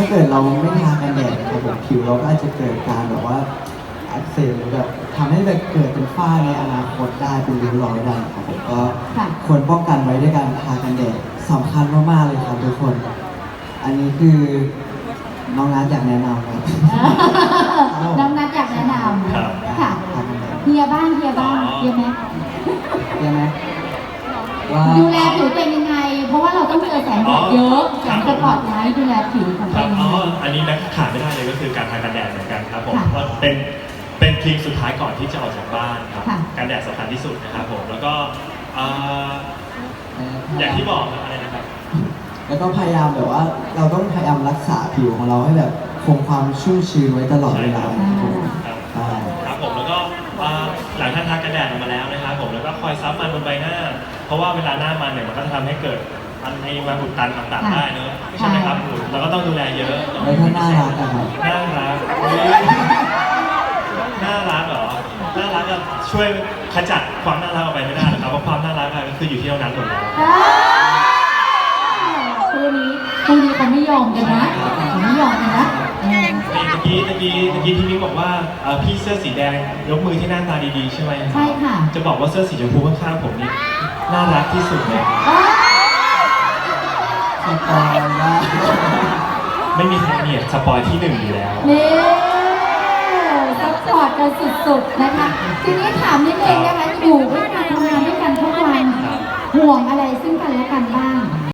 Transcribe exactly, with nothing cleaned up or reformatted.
าเกิดเราไม่ทากันแดดนะครับผมผิวเราก็อาจจะเกิดการแบบว่าอักเสบหรือแบบทำให้แบบเกิดเป็นฝ้าในอนาคตได้เป็นริ้วรอยได้ครับผมก็ควรป้องกันไว้ด้วยการทากันแดดสำคัญมากๆเลยครับทุกคนอันนี้คือน้องนัทอยากแนะนำครับน้องนัทอยากแนะนครับำค่ะเฮียบ้างเฮียบ้างเฮียไหมใช่ไหมว่าดูแลผิวตัวเองยังไง เพราะว่าเราต้องเจอแสงแดดเยอะแสงสปอตไลท์ดูแลผิวของคตัรัวบเองอ๋ยัองไงอันนี้นะขาดไม่ได้เลยก็คือการทากันแดดเหมือนกันครับผมค่ะเพราะเป็นเป็นครีมสุดท้ายก่อนที่จะออกจากบ้านครับค่ะกันแดดสำคัญที่สุดนะครับผมแล้วก็เอ่ออย่างที่บอกอะไรนะครับแล้วก็พยายามแบบว่าเราต้องพยายามรักษาผิวของเราให้แบบคงความชุ่มชื้นไว้ตลอดเวลาครับผมครับใช่ครับผมแล้วก็อ่าหลังท่านทากันแดดออกมาแล้วนะครับผมแล้วก็คอยซับมันบนใบหน้า เพราะว่าเวลาหน้ามันเนี่ยมันก็จะทำให้เกิดอันในมาอุดตันต่างๆได้เนอะใช่ไหมครับผมเราก็ต้องดูแลเยอะแล้วก็น่ารักอะครับน่ารักอุ๊ยน่ารักเหรอน่ารักอะช่วยขจัดความน่ารักออกไปไม่ได้หรอกครับเพราะความน่ารักอะก็คืออยู่ที่เรานั้นหมดแล้วคู่นี้คู่นี้เขาไม่ยอมกันนะเขาไม่ยอมกันนะเออนี่ตะกี้ตะกี้ตะกี้พี่มิ้งบอกว่าเอ่อพี่เสื้อสีแดงยกมือที่หน้าตาดีๆใช่ไหมใช่ค่ะจะบอกว่าเสื้อสีชมพูข้างๆผมนี่น่ารักที่สุดเลยอ้าวสปอยว่าไม่มีใครเนี่ยสปอยที่หนึ่งอยู่แล้วนี่ซัพพอร์ตกันสุดๆนะคะ ทีนี้ถามนิดนึงนะคะอยู่ด้วยกันทำงานด้วยกันทุกวันห่วงอะไรซึ่งกันและกันบ้าง